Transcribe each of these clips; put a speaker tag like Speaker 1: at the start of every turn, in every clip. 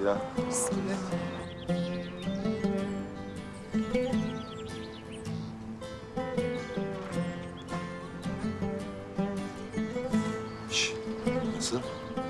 Speaker 1: Bismillah.
Speaker 2: Mis gibi.
Speaker 1: Şş, nasıl?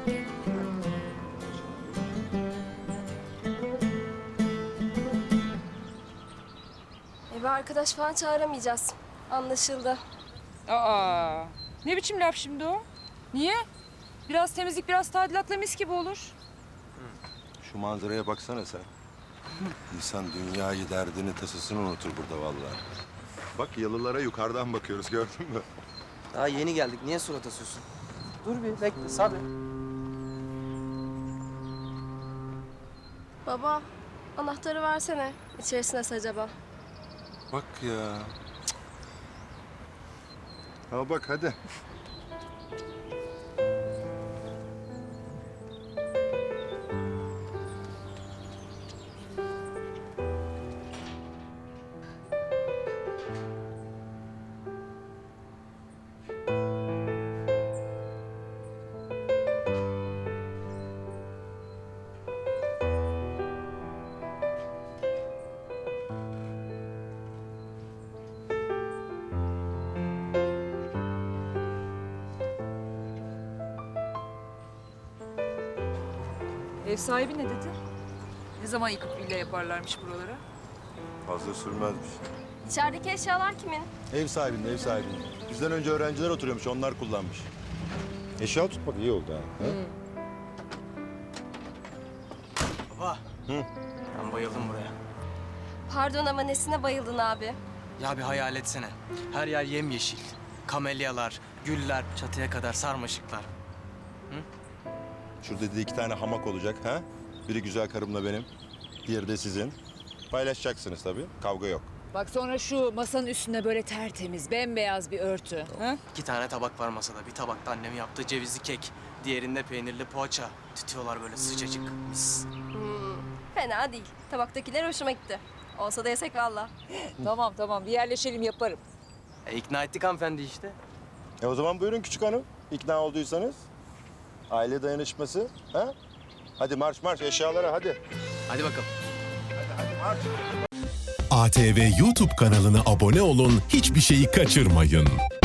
Speaker 3: Eve arkadaş falan çağıramayacağız. Anlaşıldı.
Speaker 2: Aa, ne biçim laf şimdi o? Niye? Biraz temizlik, biraz tadilatla mis gibi olur.
Speaker 1: Şu manzaraya baksana sen. İnsan dünyayı, derdini, tasasını unutur burada vallahi. Bak yalılara yukarıdan bakıyoruz, gördün mü?
Speaker 4: Daha yeni geldik. Niye surat asıyorsun? Dur bir bekle sabret.
Speaker 3: Baba, anahtarı versene. İçerisi nasıl acaba?
Speaker 1: Bak ya. Al bak hadi.
Speaker 2: Ev sahibi ne dedi? Ne zaman yıkıp villa yaparlarmış buralara?
Speaker 1: Fazla sürmezmiş.
Speaker 3: İçerideki eşyalar kimin?
Speaker 1: Ev sahibinin, ev sahibinin. Bizden önce öğrenciler oturuyormuş, onlar kullanmış. Eşya tutmak iyi oldu ha.
Speaker 4: Baba. Ben bayıldım buraya.
Speaker 3: Pardon ama nesine bayıldın abi?
Speaker 4: Ya bir hayal etsene. Her yer yemyeşil. Kamelyalar, güller, çatıya kadar sarmaşıklar.
Speaker 1: Şurada dedi 2 tane hamak olacak ha. Biri güzel karımla benim, diğeri de sizin. Paylaşacaksınız tabii, kavga yok.
Speaker 2: Bak sonra şu masanın üstünde böyle tertemiz, bembeyaz bir örtü. Ha?
Speaker 4: 2 tane tabak var masada. Bir tabakta annemin yaptığı cevizli kek. Diğerinde peynirli poğaça. Tütüyorlar böyle sıcacık. Mis.
Speaker 3: Fena değil. Tabaktakiler hoşuma gitti. Olsa da yesek valla.
Speaker 2: Tamam tamam bir yerleşelim yaparım.
Speaker 4: İkna ettik hanımefendi işte.
Speaker 1: O zaman buyurun küçük hanım, ikna olduysanız. Aile dayanışması, ha? Hadi marş marş eşyalara hadi.
Speaker 4: Hadi bakalım.
Speaker 5: ATV YouTube kanalına abone olun, hiçbir şeyi kaçırmayın.